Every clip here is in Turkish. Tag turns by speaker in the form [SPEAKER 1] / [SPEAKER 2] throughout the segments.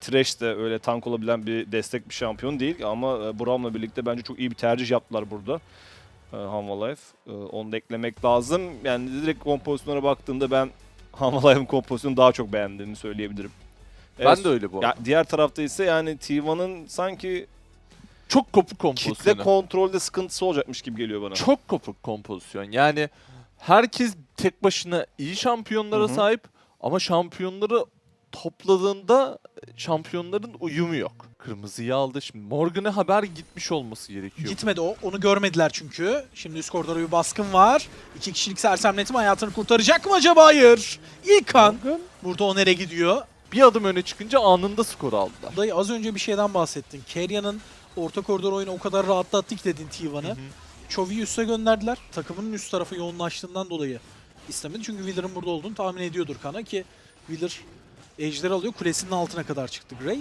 [SPEAKER 1] Thresh de öyle tank olabilen bir destek bir şampiyon değil ama Braum'la birlikte bence çok iyi bir tercih yaptılar burada. Hanwha Life. Onu da eklemek lazım. Yani direkt kompozisyonlara baktığımda ben Hanwha Life'ın kompozisyonu daha çok beğendiğimi söyleyebilirim.
[SPEAKER 2] Ben de öyle bu arada.
[SPEAKER 1] Diğer tarafta ise yani T1'ın sanki
[SPEAKER 2] Çok kopuk kompozisyonu.
[SPEAKER 1] kitle kontrolde sıkıntısı olacakmış gibi geliyor bana.
[SPEAKER 2] Çok kopuk kompozisyon. Yani herkes tek başına iyi şampiyonlara
[SPEAKER 1] Hı hı.
[SPEAKER 2] sahip ama şampiyonları topladığında şampiyonların uyumu yok. Kırmızıyı aldı. Şimdi Morgan'a haber gitmiş olması gerekiyor.
[SPEAKER 3] Gitmedi o. Onu görmediler çünkü. Şimdi üst koridora bir baskın var. 2 kişilik sersemletim hayatını kurtaracak mı acaba? Hayır. İlk kan. Burada Oner'e gidiyor.
[SPEAKER 2] Bir adım öne çıkınca anında skor aldılar.
[SPEAKER 3] Dayı az önce bir şeyden bahsettin. Kerya'nın orta koridor oyunu o kadar rahatlattık dedin T1'ı. Chovy'yi üste gönderdiler. Takımının üst tarafı yoğunlaştığından dolayı istemedi. Çünkü Wheeler'ın burada olduğunu tahmin ediyordur Kana ki Wheeler Ejder alıyor. Kulesinin altına kadar çıktı Graves.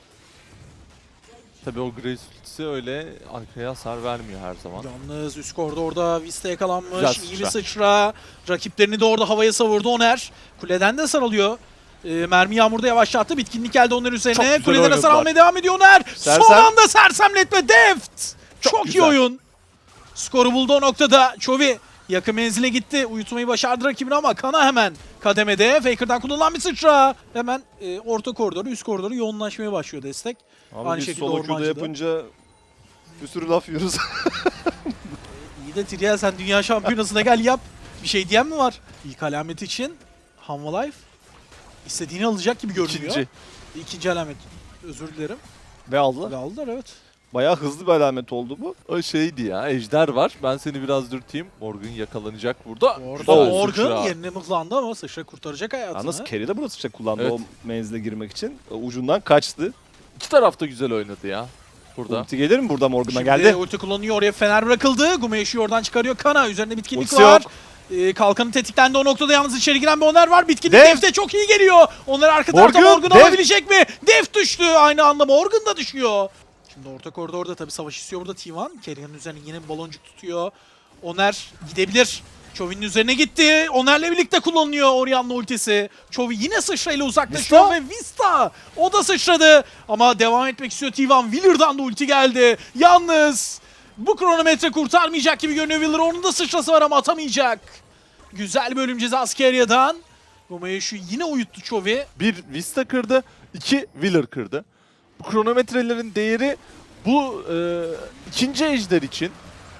[SPEAKER 2] Tabii o Grace ultisi öyle arkaya hasar vermiyor her zaman.
[SPEAKER 3] Yalnız üst koridorda Vista yakalanmış.
[SPEAKER 2] Güzel
[SPEAKER 3] İyi bir
[SPEAKER 2] sıçra.
[SPEAKER 3] sıçra. Rakiplerini de orada havaya savurdu Oner. Kuleden de sarılıyor. Mermi yağmurda yavaşlattı. Bitkinlik geldi Oner
[SPEAKER 2] Çok
[SPEAKER 3] üzerine.
[SPEAKER 2] güzel
[SPEAKER 3] Kuleden hasar
[SPEAKER 2] oynadılar.
[SPEAKER 3] almaya devam ediyor Oner.
[SPEAKER 1] Sersem.
[SPEAKER 3] Son anda sersemletme Deft. Çok iyi
[SPEAKER 2] güzel.
[SPEAKER 3] oyun. Skoru buldu o noktada. Chovy yakın menzile gitti. Uyutmayı başardı rakibini ama Kana hemen kademede. Faker'dan kullanılan bir sıçra. Hemen orta koridoru, üst koridoru yoğunlaşmaya başlıyor destek.
[SPEAKER 1] Ama
[SPEAKER 3] Aynı
[SPEAKER 1] biz
[SPEAKER 3] şekilde
[SPEAKER 1] solo queue'da
[SPEAKER 3] Ormancı'da.
[SPEAKER 1] yapınca bir sürü laf yiyoruz.
[SPEAKER 3] İyi de Trial sen dünya şampiyonasına gel yap. Bir şey diyen mi var? İlk alamet için Hanwha Life istediğini alacak gibi görünüyor.
[SPEAKER 2] İkinci.
[SPEAKER 3] İkinci alamet. Özür dilerim.
[SPEAKER 1] Ve aldılar.
[SPEAKER 3] Ve aldılar evet.
[SPEAKER 1] Bayağı hızlı bir alamet oldu bu.
[SPEAKER 2] O şeydi ya, ejder var. Ben seni biraz dürteyim. Morgan yakalanacak burada.
[SPEAKER 3] Orada
[SPEAKER 2] Güzel
[SPEAKER 3] Morgan
[SPEAKER 2] sıçra.
[SPEAKER 3] yerine mıhlandı ama sıçra kurtaracak hayatını.
[SPEAKER 1] Yalnız Kerry de burası sıçra kullandı
[SPEAKER 2] Evet.
[SPEAKER 1] o menzile girmek için. Ucundan kaçtı.
[SPEAKER 2] İki taraf da güzel oynadı ya. Burada.
[SPEAKER 1] Ulti gelir mi burada Morgan'a
[SPEAKER 3] Şimdi
[SPEAKER 1] geldi?
[SPEAKER 3] ulti kullanıyor, oraya fener bırakıldı. Gumeş'i oradan çıkarıyor Kana. Üzerinde bitkinlik
[SPEAKER 1] Ultisi
[SPEAKER 3] var.
[SPEAKER 1] yok.
[SPEAKER 3] Kalkanı tetiklendi o noktada, yalnız içeri giren bir Oner var. Bitkinlik
[SPEAKER 1] Def.
[SPEAKER 3] Def'te çok iyi geliyor. Onlar arka tarafta
[SPEAKER 1] Morgan,
[SPEAKER 3] Morgan
[SPEAKER 1] Def.
[SPEAKER 3] alabilecek mi? Def düştü. Aynı anda Morgan da düşüyor. Şimdi orta koridorda tabii savaş istiyor burada T1. Kerya'nın üzerine yine bir baloncuk tutuyor. Oner gidebilir. Chovy'nin üzerine gitti. Oner'le birlikte kullanılıyor Orianna ultisi. Chovy yine sıçrayla uzaklaşıyor
[SPEAKER 1] Vista.
[SPEAKER 3] ve Vista o da sıçradı. Ama devam etmek istiyor T1. Wheeler'dan da ulti geldi. Yalnız bu kronometre kurtarmayacak gibi görünüyor Wheeler. Onun da sıçrası var ama atamayacak. Güzel bölüm cezası Kerya'dan. Gomayeshu yine uyuttu Chovy.
[SPEAKER 2] Bir Vista kırdı, iki Wheeler kırdı. Bu kronometrelerin değeri bu ikinci ejder için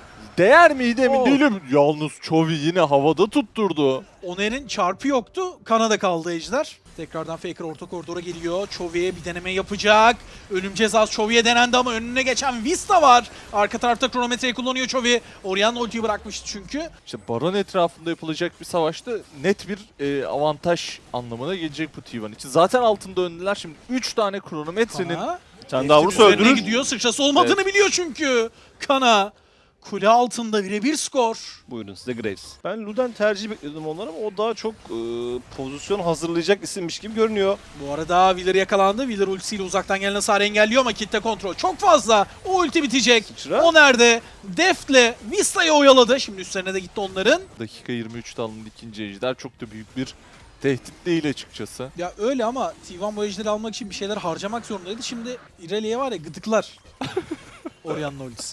[SPEAKER 2] değer miydi emin
[SPEAKER 3] Oh.
[SPEAKER 2] değilim. Yalnız Chovy yine havada tutturdu.
[SPEAKER 3] Oner'in çarpı yoktu. Kanada kaldı ejder. Tekrardan Faker orta koridora geliyor. Chovy'ye bir deneme yapacak. Ölüm cezası Chovy'ye denendi ama önüne geçen Vista var. Arka tarafta kronometreyi kullanıyor Chovy. Orianna ultiyi bırakmıştı çünkü.
[SPEAKER 2] İşte Baron etrafında yapılacak bir savaşta net bir avantaj anlamına gelecek bu T1 için. Zaten altında öndeler. Şimdi 3 tane kronometrenin
[SPEAKER 3] Kana
[SPEAKER 1] Sen daha vurursa
[SPEAKER 3] üzerine
[SPEAKER 1] öldürür.
[SPEAKER 3] gidiyor. Sıçrası olmadığını biliyor çünkü. Kana kule altında birebir skor.
[SPEAKER 1] Buyurun size Graves. Ben Luden tercih bekliyordum onlara ama o daha çok pozisyon hazırlayacak isimmiş gibi görünüyor.
[SPEAKER 3] Bu arada Wheeler yakalandı. Wheeler ultisiyle uzaktan gelen hasarı engelliyor ama kitle kontrol çok fazla. O ulti bitecek.
[SPEAKER 1] Sıçra.
[SPEAKER 3] O nerede? Deft'le Vista'yı oyaladı. Şimdi üstlerine de gitti onların.
[SPEAKER 2] dakika 23'te alınan ikinci ejder çok da büyük bir tehdit değil açıkçası.
[SPEAKER 3] Ya öyle ama T1 bu ejderi almak için bir şeyler harcamak zorundaydı. Şimdi Irelia'ya var ya gıdıklar. Orianna ultisi.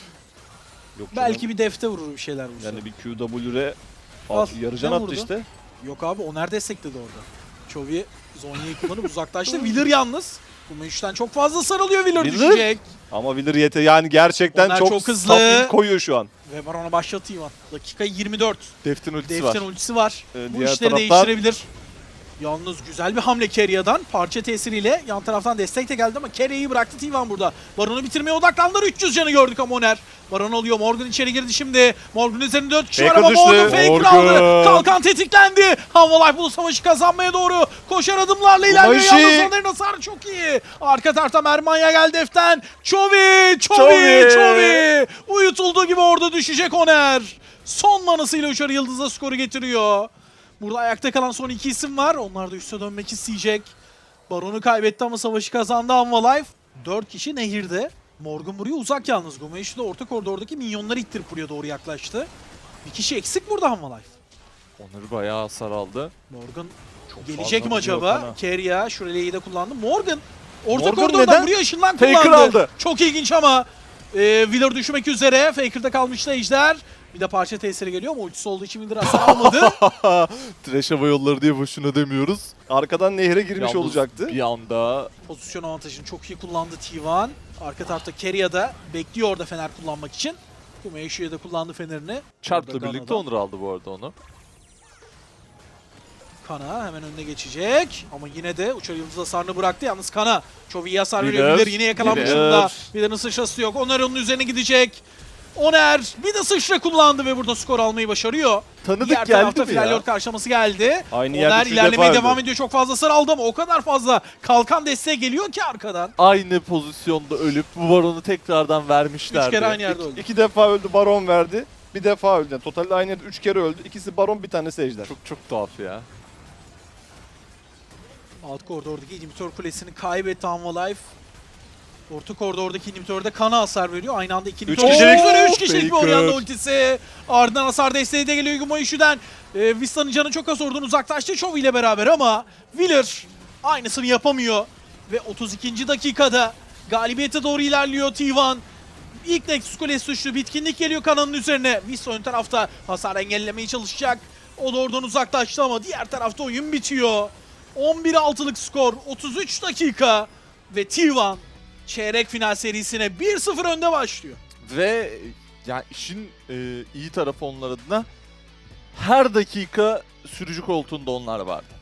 [SPEAKER 1] Yok
[SPEAKER 3] Belki bir Deft'e vurur bir şeyler vursa.
[SPEAKER 1] yani bir QW're
[SPEAKER 3] Al,
[SPEAKER 1] yarıcan
[SPEAKER 3] ne
[SPEAKER 1] attı
[SPEAKER 3] vurdu?
[SPEAKER 1] işte.
[SPEAKER 3] Yok abi Oner destekledi orada. Chovy Zonya'yı kullanıp uzaklaştı. Wheeler yalnız. Bu müşten çok fazla sarılıyor. Wheeler
[SPEAKER 1] Wheeler?
[SPEAKER 3] düşecek.
[SPEAKER 1] Ama Wheeler yani gerçekten
[SPEAKER 3] Onlar
[SPEAKER 1] çok,
[SPEAKER 3] çok hızlı.
[SPEAKER 1] saf ilk koyuyor şu an.
[SPEAKER 3] Ve Baron'a başlatıyor. Dakika 24.
[SPEAKER 2] Deftin ultisi
[SPEAKER 3] Deften
[SPEAKER 2] var.
[SPEAKER 3] ultisi var. Bu
[SPEAKER 1] Diğer
[SPEAKER 3] işleri
[SPEAKER 1] taraftan-
[SPEAKER 3] değiştirebilir. Yalnız güzel bir hamle Kerya'dan. Parça tesiriyle yan taraftan destek de geldi ama Kerya'yı bıraktı T1 burada. Baron'u bitirmeye odaklandılar. 300 canı gördük ama Oner. Baron alıyor. Morgan içeri girdi şimdi. Morgan üzerinde 4 kişi var
[SPEAKER 1] Faker
[SPEAKER 3] ama
[SPEAKER 1] düştü.
[SPEAKER 3] Morgan Faker
[SPEAKER 2] Morgan.
[SPEAKER 3] aldı. Kalkan tetiklendi. Hanwha Life bu savaşı kazanmaya doğru koşar adımlarla ilerliyor.
[SPEAKER 1] Gumayushi.
[SPEAKER 3] Yalnız Oner'in hasarı çok iyi. Arka tarafta Mermanya geldi Def'ten. Chovy! Uyutulduğu gibi orada düşecek Oner. Son manasıyla Uçar Yıldız'a skoru getiriyor. Burada ayakta kalan son iki isim var. Onlar da üste dönmek isteyecek. Baron'u kaybetti ama savaşı kazandı Hanwha Life. 4 kişi nehirde. Morgan buraya uzak yalnız. Gumayushi de orta koridordaki minyonları ittirip buraya doğru yaklaştı. Bir kişi eksik burada Hanwha Life.
[SPEAKER 2] Onları bayağı hasar aldı.
[SPEAKER 3] Morgan
[SPEAKER 1] Çok
[SPEAKER 3] gelecek mi
[SPEAKER 1] fazla vuruyor
[SPEAKER 3] acaba?
[SPEAKER 1] Kana.
[SPEAKER 3] Keria Shureley'i de kullandı. Morgan Orta
[SPEAKER 2] Morgan
[SPEAKER 3] koridordan
[SPEAKER 2] neden?
[SPEAKER 3] buraya ışından
[SPEAKER 2] Faker
[SPEAKER 3] kullandı.
[SPEAKER 2] aldı.
[SPEAKER 3] Çok ilginç ama Wheeler düşmek üzere. Faker'da kalmıştı Ejder. Bir de parça tesiri geliyor ama ultisi olduğu için Wheeler hasar almadı.
[SPEAKER 2] Trash hava yolları diye boşuna demiyoruz.
[SPEAKER 1] Arkadan nehre girmiş
[SPEAKER 2] Yalnız
[SPEAKER 1] olacaktı.
[SPEAKER 2] Bir anda
[SPEAKER 3] Pozisyon avantajını çok iyi kullandı T1. Arka tarafta Kerya'da bekliyor orada fener kullanmak için. Kumeyshi'ye de kullandı fenerini.
[SPEAKER 2] Çarp'la
[SPEAKER 3] Orada
[SPEAKER 2] birlikte
[SPEAKER 3] Gana'da.
[SPEAKER 2] Onur aldı bu arada onu.
[SPEAKER 3] Kana hemen önüne geçecek. Ama yine de uçar yıldız hasarını bıraktı. Yalnız Kana çok iyi hasar veriyor.
[SPEAKER 2] Wheeler,
[SPEAKER 3] Wheeler yine yakalanmış
[SPEAKER 2] Wheeler.
[SPEAKER 3] durumda. Wheeler'ın sıçrası yok. Oner onun üzerine gidecek. Oner bir de sıçra kullandı ve burada skor almayı başarıyor.
[SPEAKER 2] Tanıdık
[SPEAKER 3] Diğer
[SPEAKER 2] geldi
[SPEAKER 3] tarafta
[SPEAKER 2] mi ya?
[SPEAKER 3] Flalyort karşılaması geldi.
[SPEAKER 1] Aynı yerde
[SPEAKER 3] Oner
[SPEAKER 1] 3
[SPEAKER 3] ilerlemeye
[SPEAKER 1] defa
[SPEAKER 3] devam
[SPEAKER 1] öldü.
[SPEAKER 3] ediyor. Çok fazla hasar aldı ama o kadar fazla kalkan desteğe geliyor ki arkadan.
[SPEAKER 2] Aynı pozisyonda ölüp bu baronu tekrardan vermişlerdi.
[SPEAKER 3] 3 kere aynı yerde öldü.
[SPEAKER 1] 2 defa öldü, Baron verdi. Bir defa öldü. Yani totalde aynı yerde 3 kere öldü. İkisi Baron, bir tanesi Ejder.
[SPEAKER 2] Çok tuhaf ya.
[SPEAKER 3] Alt koridordaki inhibitor kulesini kaybetti Life. Orta koridordaki inhibitörde Kana hasar veriyor. Aynı anda iki inhibitör
[SPEAKER 1] kişilik.
[SPEAKER 3] üzere 3 kişilik bir
[SPEAKER 2] Faker.
[SPEAKER 3] Orianna ultisi. Ardından hasar desteği de geliyor Gumayushi'den. Vista'nın canı çok az oradan uzaklaştı Chovy ile beraber ama Wheeler aynısını yapamıyor. Ve 32. dakikada galibiyete doğru ilerliyor T1. İlk Nexus Kulesi suçlu bitkinlik geliyor Kana'nın üzerine. Vista ön tarafta hasar engellemeye çalışacak. O da oradan uzaklaştı ama diğer tarafta oyun bitiyor. 11-6'lık skor, 33 dakika ve T1 çeyrek final serisine 1-0 önde başlıyor.
[SPEAKER 2] Ve yani işin iyi tarafı onlar adına her dakika sürücü koltuğunda onlar vardı.